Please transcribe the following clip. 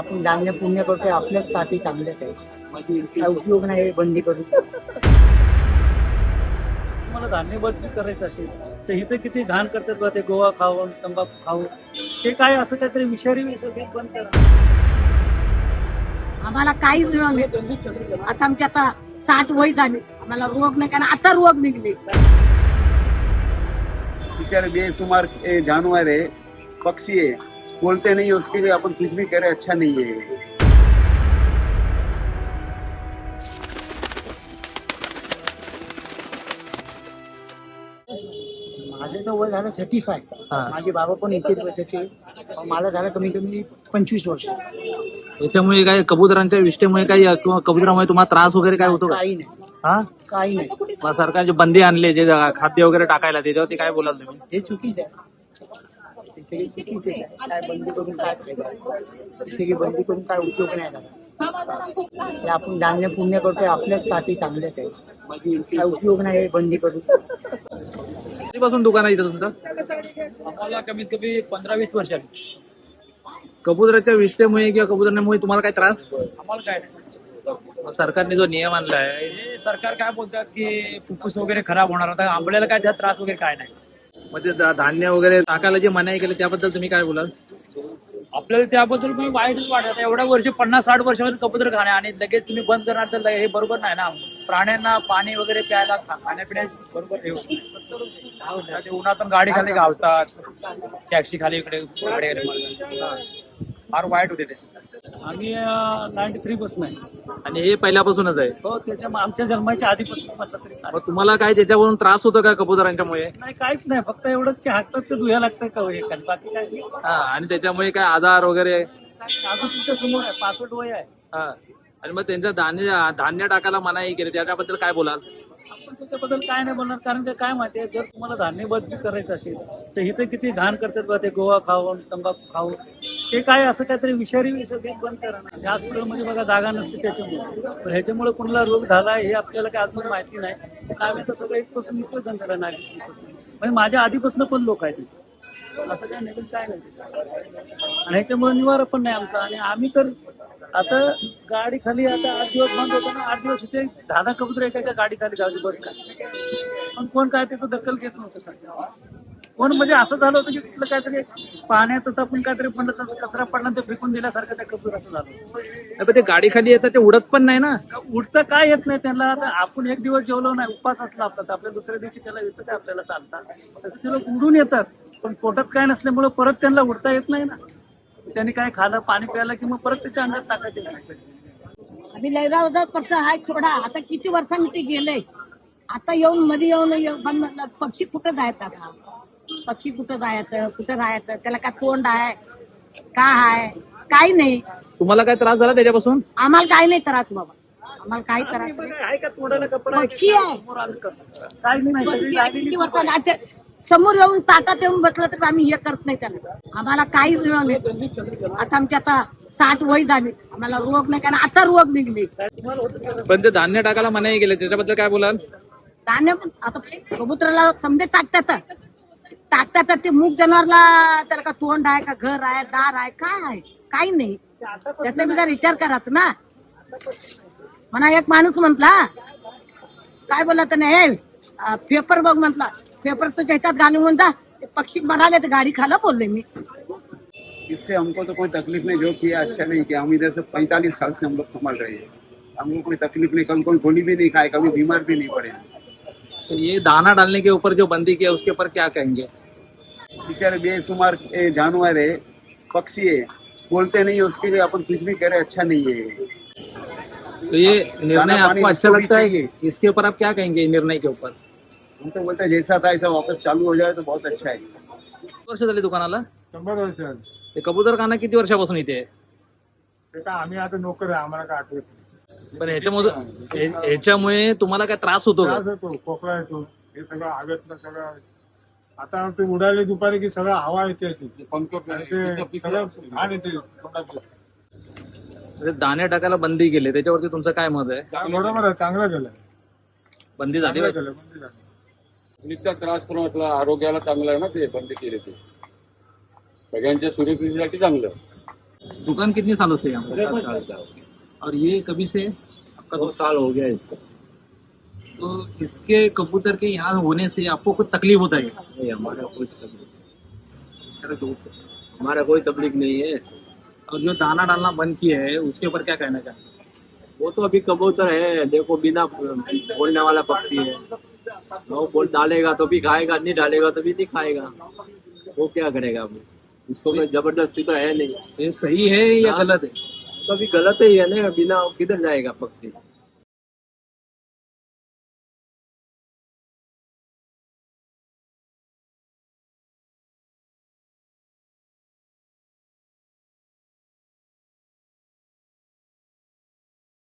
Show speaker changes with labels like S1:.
S1: आपण धान्य पुण्य करतोय आपल्याचसाठी चांगलंच आहे. काय उपयोग नाही बंदी करून.
S2: तुम्हाला धान्य बदली करायचं असेल तर इथे किती घाण करतात बा ते गोवा खाऊन तंबाखू खाऊन. ते काय असं काहीतरी विषारी बंद करा.
S3: आम्हाला काहीच नाही. आता आमची आता 60 वय झाली, आम्हाला रोग नाही, कारण आता रोग निघले.
S4: बेचारे बेसुमार जानवर है, पक्षी है, बोलते नहीं है, उसके लिए अपन कुछ भी करे अच्छा नहीं है.
S1: माझं तर वय झालं 35. माझे बाबा पण 21 वर्षाचे. मला झालं कमी कमी 25 वर्ष.
S5: याच्यामुळे काय कबुतरांच्या विष्ठेमुळे काही किंवा कबुतरामुळे तुम्हाला त्रास वगैरे काय होतो का?
S1: काही नाही,
S5: हा
S1: काही नाही.
S5: मग सरकारचे बंदी आणले जे खाद्य वगैरे टाकायला, त्याच्यावरती काय बोलाल तुम्ही?
S1: हे चुकीच आहे. हे सगळी चुकीच आहे. काय बंदी करून काय फायदा? हे सगळी बंदी करून काय उपयोग नाही झाला. हे आपण धान्य पुण्य करतोय आपल्याचसाठी चांगलंच आहे. काय उपयोग नाही हे बंदी करून.
S5: कधीपासून दुकान आहे इथं तुमचं?
S2: आम्हाला कमीत कमी 15-20 वर्षांनी.
S5: कबुतराच्या विष्ठेमुळे किंवा कबुतरामुळे तुम्हाला काय त्रास?
S2: आम्हाला काय नाही.
S5: मग सरकारने जो नियम आणलाय,
S2: हे सरकार काय बोलतात की फुफ्फुस वगैरे खराब होणार, आता आंबल्याला काय त्यात त्रास वगैरे काय नाही.
S5: मग ते धान्य वगैरे टाकायला जे मनाई केलं त्याबद्दल तुम्ही काय बोलाल?
S2: आपल्याला त्याबद्दल मी वाईटच वाटत. एवढ्या वर्ष 50-60 वर्षामध्ये कबूतर खाणे आणि लगेच तुम्ही बंद करणार तर हे बरोबर नाही ना. प्राण्यांना पाणी वगैरे प्यायला खाण्यापिण्यास बरोबर हे होत नाही. ते उन्हातून गाडी खाली गावतात, टॅक्सी खाली इकडे फार वाईट होते त्याचे. आम्ही 93 पासून आहे.
S5: आणि हे पहिल्यापासूनच आहे.
S2: हो, त्याच्या आमच्या जन्माच्या आधीपासून म्हटलं तरी चालेल.
S5: मग तुम्हाला काय त्याच्यावरून त्रास होतो का कबुतरांच्यामुळे?
S2: नाही, काहीच नाही. फक्त एवढंच की हातात ते धुया लागतं का हे खाली, बाकी काय नाही.
S5: हा, आणि त्याच्यामुळे काय आजार वगैरे?
S2: अजून तुमच्या समोर आहे, 65 वय आहे.
S5: हा, आणि मग त्यांचं धान्य टाकायला मनाई केली त्याच्याबद्दल काय बोलाल?
S2: आपण त्याच्याबद्दल काय नाही बोलणार, कारण की काय माहितीये, जर तुम्हाला धान्य बदली करायचं असेल तर इथे किती घाण करतात बा ते गोवा खाऊन तंबाखू खाऊन. ते काय असं काहीतरी विषारी बंद करा ना. या हॉस्पिटलमध्ये बघा जागा नसते त्याच्यामुळे. पण ह्याच्यामुळे कोणाला रोग झाला हे आपल्याला काय अजून माहिती नाही. आम्ही तर सगळं इथपासून निघतो धंद्याला, नागेश्वरीपासून. म्हणजे माझ्या आधीपासून पण लोक आहेत तिथे. असं काय नवीन काय नाही. आणि ह्याच्यामुळे निवारा पण नाही आमचा. आणि आम्ही तर आता गाडी खाली आता 8 दिवस बंद होता ना, 8 दिवस होते, 10 कबूतर एका गाडी खाली गावची बस का. पण कोण काय त्याचं दखल घेत नव्हतं सध्या. कोण म्हणजे असं झालं होतं की कुठलं काहीतरी पाण्यात आपण काहीतरी पडलं, कचरा पडला ते फेकून दिल्यासारखं त्या कबूतर असं झालं.
S5: ते गाडी खाली येतात ते उडत पण नाही ना.
S2: उडतं काय येत नाही त्यांना. आता आपण एक दिवस जेवलो नाही, उपास असला आपला, तर आपल्या दुसऱ्या दिवशी त्याला येतं काय आपल्याला चालतात. ते लोक उडून येतात, पण पोटात काय नसल्यामुळे परत त्यांना उडता येत नाही ना. त्यांनी काय खाल्लं, पाणी प्यायला की मग परत त्याच्या अंगात टाकायचं.
S3: आम्ही लयला होता कसं हाय सोडा, आता किती वर्षांनी ते गेले. आता येऊन मध्ये येऊन पक्षी कुठं जायचं? आता पक्षी कुठं जायचं, कुठं राहायचं? त्याला काय तोंड आहे का आहे? काही नाही.
S5: तुम्हाला काय त्रास झाला त्याच्यापासून?
S3: आम्हाला काही नाही त्रास बाबा, आम्हाला काही त्रास नाही.
S2: आहे का तोंडाला कपडा?
S3: पक्षी आहे.
S2: काहीच नाही.
S3: पक्षी आहे. किती वर्षांनी समोर येऊन ताटात येऊन बसलं तर आम्ही हे करत नाही त्याला. आम्हाला काहीच नाही. आता आमची आता 60 वय झाली, आम्हाला रोग नाही, कारण आता रोग निघले.
S5: पण ते धान्य टाकायला मनाई केले त्याच्याबद्दल काय बोलाल?
S3: धान्य आता कबुतराला समजे टाकतात ते मूग जनावरला त्याला का तोंड आहे का, घर आहे, दार आहे, काय आहे? काही नाही. त्याचा बी जरा विचार करायचा ना. म्हणा एक माणूस म्हटला, काय बोलला त्याने, हे पेपर बघ म्हटला, पेपर तुझ्या ह्याच्यात घालून जा, ते पक्षी बनाले तर गाडी खाला बोलले मी.
S4: इससे हमको तो कोई तकलीफ नहीं, जो किया अच्छा नहीं किया. हम इधर से 45 साल से हम लोग संभाल रहे हैं. हमको कोई तकलीफ नहीं, कल कोई गोली भी नहीं खाए, कभी बीमार भी नहीं पड़े.
S5: तो ये दाना डालने के ऊपर जो बंदी की है उसके ऊपर क्या कहेंगे?
S4: बेचारे बेसुमार जानवर है, पक्षी है, बोलते नहीं है, उसके लिए अपन कुछ भी करे अच्छा नहीं है.
S5: तो ये निर्णय
S4: दाना पानी
S5: आपको अच्छा
S4: उसको भी
S5: लगता है?
S4: चाहिए.
S5: इसके ऊपर आप क्या कहेंगे निर्णय के ऊपर?
S4: हम तो बोलते हैं जैसा था ऐसा वापस चालू हो जाए तो बहुत अच्छा है.
S5: किती वर्ष झाली दुकानाला?
S6: 100 वर्ष झाली.
S5: ते कबूतर खाना किती वर्षापासून इथे आहे?
S6: ते काय आम्ही आता नोकर आहे, आम्हाला काय आठवत नाही.
S5: पण ह्याच्यामुळे तुम्हाला काय त्रास होतो का?
S6: त्रास होतो, खोकला येतो, हे सगळं हवेतलं सगळं. आता ते उडाले दुपारी की सगळं हवा येते अशी, आणि ते सगळं घाण येते तोंडातलं.
S5: म्हणजे दाणे टाकायला बंदी केली त्याच्यावरती तुमचं काय मत आहे?
S6: बरोबर आहे, चांगलं केलं,
S5: बंदी झाली
S6: चांगलं
S5: पाहिजे.
S6: केलं, बंदी झाली.
S7: नित्या त्रास पण वाटला, आरोग्याला चांगलं आहे ना ते बंद केले ते, सगळ्यांच्या सुरक्षेसाठी चांगलं.
S5: दुकान कितने सालों से है यहाँ पर?
S7: 7 साल का हो गया।
S5: और ये कभी से आपका
S7: 2 साल हो गया इसको।
S5: तो इसके कबूतर के यहाँ होने से आपको कुछ तकलीफ होता है?
S7: नहीं, हमारा कोई तकलीफ नहीं है।
S5: और जो दाना डालना बंद किया है उसके ऊपर क्या कहना चाहते हैं?
S7: वो तो अभी कबूतर है, देखो बिना बोलने वाला पक्षी है। वो बोल डालेगा तो भी खाएगा, नहीं डालेगा तो भी नहीं खाएगा। वो क्या करेगा अब? इसको कोई जबरदस्ती तो है नहीं।
S5: ये सही है या
S7: हाँ।
S5: गलत है?
S7: तो अभी गलत ही है ना, बिना किधर जाएगा पक्षी।